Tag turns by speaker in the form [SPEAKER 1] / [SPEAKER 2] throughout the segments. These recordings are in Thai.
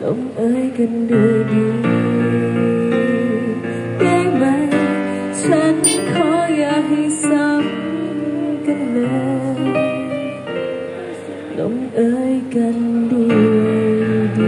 [SPEAKER 1] งเอ่ยกันด้วยดีได้ไหมฉันขออย่าให้ซ้ำกันเลยลงเอ่ยกันด้วยดี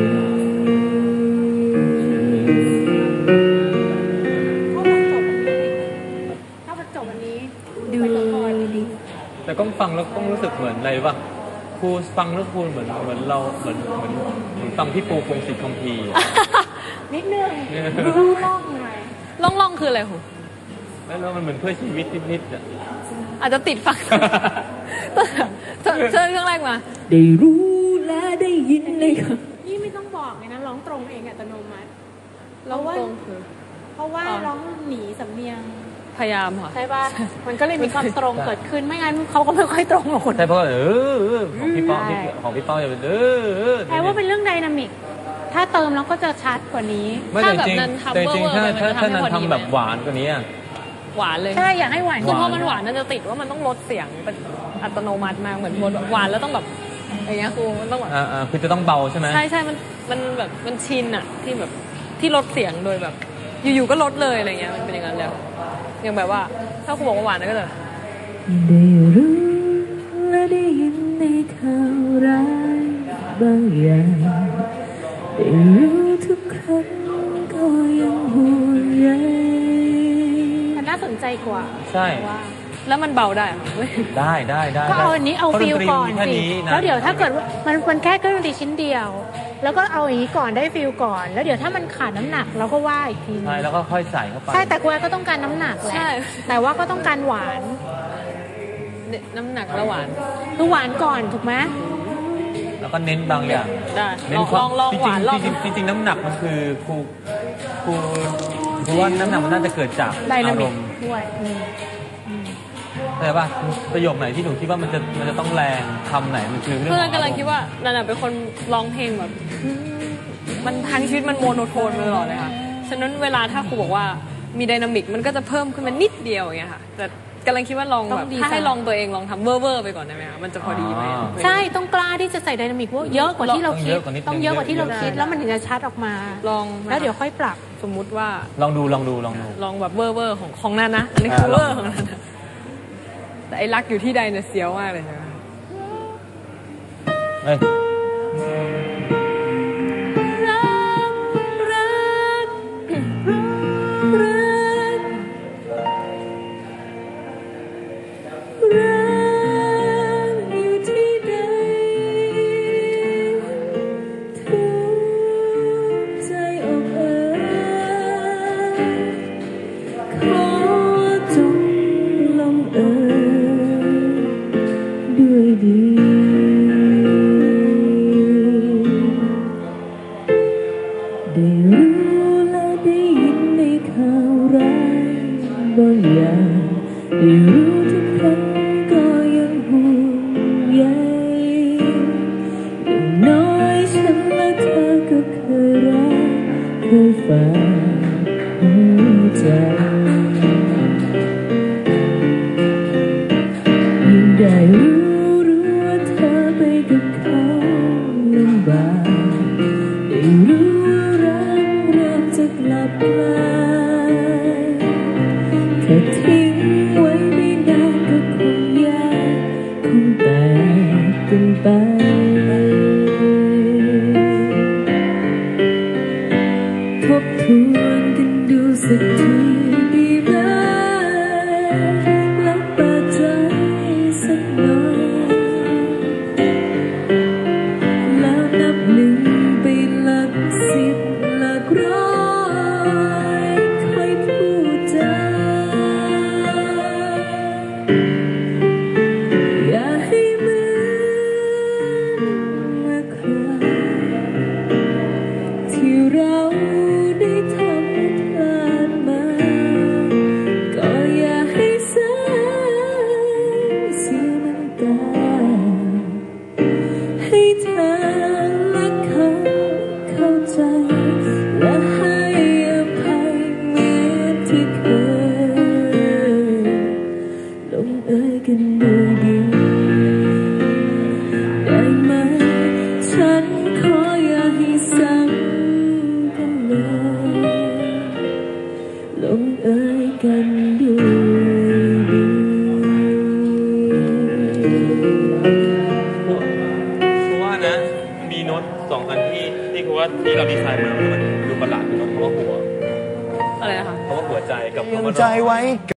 [SPEAKER 2] ถ้ามันจบวันนี้
[SPEAKER 1] ดูดี
[SPEAKER 3] แต่ก็ฟังแล้วก็รู้สึกเหมือนอะไรป่ะครูฟังแล้วครูเหมือนเราเหมือนฟังพี่ปูพงศิษฐ์คัมภีร์
[SPEAKER 2] นิดนึงล่องหน่อย
[SPEAKER 4] ล่องคืออะไรหู
[SPEAKER 3] แล้วมันเหมือนเพื่อชีวิตนิดๆอ่ะ
[SPEAKER 4] อาจจะติดฟังเชิญเครื่องแรกมา
[SPEAKER 1] ได้รู้และได้ยินเลยค่ะ
[SPEAKER 2] นี่ไม่ต้องบอกเลยนะร้องตรงเองอัตโนมัติ
[SPEAKER 4] ร้องตรงคือ
[SPEAKER 2] เพราะว่าร้องหนีสำเนียง
[SPEAKER 4] พยายามค่ะ
[SPEAKER 2] ใช่ป่ะมันก็เลยมีความตรงเกิดขึ้นไม่งั้นเขาก็ไม่ค่อยตรงหรอกคน
[SPEAKER 3] ใช่เพราะของพี่ป้อจะเป็น
[SPEAKER 2] แปลว่าเป็นเรื่องไดนามิกถ้าเติมแล้วก็จะชัดกว่านี้
[SPEAKER 4] ถ้าแบบนั้นทำเวอร์
[SPEAKER 3] ถ้านั้นทำแบบหวานกว่านี้
[SPEAKER 4] หวานเลย
[SPEAKER 2] ใช่อยากให้หวาน
[SPEAKER 4] คือพอมันหวานนั่นจะติดว่ามันต้องลดเสียงเป็นอัตโนมัติมากเหมือนหวานแล้วต้องแบบอย่างเงี้ยครูมันต้องแบบ
[SPEAKER 3] คือจะต้องเบาใช่ไหม
[SPEAKER 4] ใช่มันแบบมันชินอะที่แบบที่ลดเสียงโดยแบบอยู่ๆก็ลดเลยอะไรเงี้ยมันเป็นอย่างนั้นแล้วอย่างแบบว่าถ้าครูบอกว่าหวานก็จะ
[SPEAKER 1] ได้รู้และได้ยินในข่าวร้ายบางอย่างได้รู้ทุกครั้งก็ยังห่วงใย
[SPEAKER 2] มันน่าสนใจกว่า
[SPEAKER 3] ใช่
[SPEAKER 4] แล้วมันเบาได้
[SPEAKER 3] ได้
[SPEAKER 2] ก็เอาอันนี้เอาฟิลก่อนสิแล้วเดี๋ยวถ้าเกิดมันแค่เครื่องดนตรีชิ้นเดียวแล้วก็เอาอย่างนี้ก่อนได้ฟิลก่อนแล้วเดี๋ยวถ้ามันขาดน้ำหนักเราก็ว่าอีกที
[SPEAKER 3] ใช่แล้วก็ค่อยใส่เข้าไป
[SPEAKER 2] ใช่แต่กูก็ต้องการน้ำหนักแหละแต่ว่าก็ต้องการหวาน
[SPEAKER 4] น้ำหนักและหวาน
[SPEAKER 2] คือหวานก่อนถูกไหม
[SPEAKER 3] แล้วก็เน้นบางอย่าง
[SPEAKER 4] ได้ลองหวาน
[SPEAKER 3] จริงน้ำหนักมันคือครูว่าน้ำหนักมันน่าจะเกิดจากอารมณ์
[SPEAKER 2] ด้วย
[SPEAKER 3] ใช่ป่ะประโยคไหนที่หนูคิดว่ามันจะต้องแรงคำไหนมันคือเรื่อง
[SPEAKER 4] เพื่อนกำลังคิดว่านันเป็นคนร้องเพลงแบบมันทั้งชีวิตมันโมโนโทนมาตลอดเลยค่ะฉะนั้นเวลาถ้าครูบอกว่ามีไดนามิกมันก็จะเพิ่มขึ้นมานิดเดียวอย่างเงี้ยค่ะแต่กำลังคิดว่าลองแบบถ้าให้ลองตัวเองลองทำเวอร์ไปก่อนได้ไหมคะมันจะพอดีไหม
[SPEAKER 2] ใช่ต้องกล้าที่จะใส่ไดนามิกว่าเยอะกว่าที่เราคิดต้องเยอะกว่าที่เราคิดแล้วมันถึงจะชัดออกมา
[SPEAKER 4] ลอง
[SPEAKER 2] แล้วเดี๋ยวค่อยปรับ
[SPEAKER 4] สมมุติว่า
[SPEAKER 3] ลองดูล
[SPEAKER 4] องแบบเวอร์ของนั่นนะอันนี้คือเวอร์ของนั่นแต่ไอ้รักอยู่ที่ใดเนี่ยเสียวมากเลยนะ
[SPEAKER 1] ที่เราได้ทำลงเอยกันด้วยดี
[SPEAKER 3] เพราะว่านะมีโน้ต2 อันที่คือว่าที่เราดีไซน์มามันดูประหลาดคือโน้ตคำว่าหัว
[SPEAKER 4] อะไรนะคะ
[SPEAKER 3] คำว่าหัวใจกับคำว่า
[SPEAKER 5] ใจไว้